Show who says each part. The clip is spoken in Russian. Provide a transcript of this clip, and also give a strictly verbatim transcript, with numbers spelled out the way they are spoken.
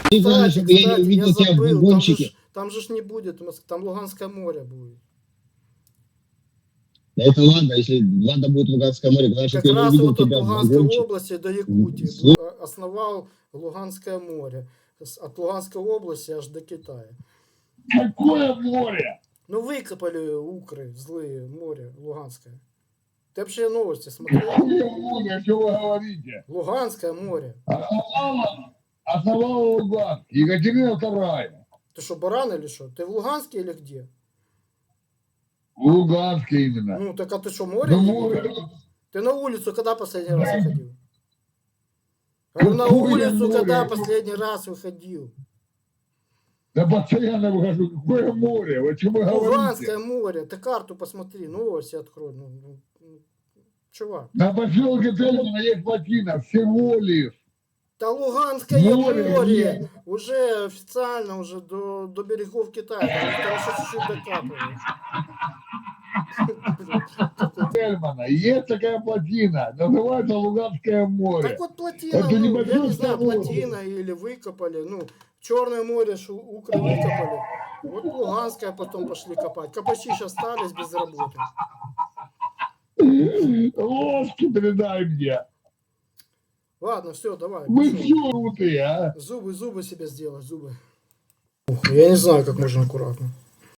Speaker 1: Ты главное,
Speaker 2: Кстати,
Speaker 1: чтобы я не
Speaker 2: кстати, я
Speaker 1: увидел тебя в
Speaker 2: забыл, там же,
Speaker 1: вагончике.
Speaker 2: ж- там же ж не будет, Моск- там Луганское море будет.
Speaker 1: Да это ладно, если ладно будет Луганское море, главное, чтобы
Speaker 2: Как
Speaker 1: я не
Speaker 2: раз
Speaker 1: увидел
Speaker 2: вот от
Speaker 1: тебя в
Speaker 2: Луганской
Speaker 1: вагончике.
Speaker 2: области до Якутии
Speaker 1: С-
Speaker 2: бу- а- основал Луганское море. С- От Луганской области аж до Китая.
Speaker 3: Какое море?
Speaker 2: Ну, выкопали укры злые, море Луганское. Ты вообще новости смотрел?
Speaker 3: Какое море? Что вы говорите?
Speaker 2: Луганское море.
Speaker 3: Основала, основала Луганск. Екатерина вторая.
Speaker 2: Ты что, баран или что? Ты в Луганске или где?
Speaker 3: В Луганске именно.
Speaker 2: Ну, так а ты что, море
Speaker 3: Ну,
Speaker 2: не
Speaker 3: море.
Speaker 2: видел? Ты на улицу когда последний раз выходил? Говорю, на
Speaker 3: Какое
Speaker 2: улицу
Speaker 3: море?
Speaker 2: когда последний раз выходил?
Speaker 3: Да постоянно выхожу. Какое море? Вы что вы говорите?
Speaker 2: Луганское море. Ты карту посмотри, новости открой. Ну, ну, ну, чувак.
Speaker 3: На поселке Тельмана есть плотина. Всего лишь.
Speaker 2: Да Луганское
Speaker 3: Море
Speaker 2: море,
Speaker 3: нет.
Speaker 2: уже официально уже до, до берегов Китая. Там, там еще чуть-чуть докапывают.
Speaker 3: Тельмана. Есть такая плотина. Называется Луганское море.
Speaker 2: Так вот плотина,
Speaker 3: Это
Speaker 2: ну, я не
Speaker 3: небольшой
Speaker 2: знаю,
Speaker 3: ставок.
Speaker 2: плотина или выкопали, ну, Черное море, шу- укры выкопали. Вот Луганское потом пошли копать. Копачи сейчас остались без работы.
Speaker 3: Ложки передай мне.
Speaker 2: Ладно, все, давай.
Speaker 3: Вы
Speaker 2: пошел.
Speaker 3: все крутые, а?
Speaker 2: Зубы, зубы себе сделать, зубы. Ух, я не знаю, как можно аккуратно.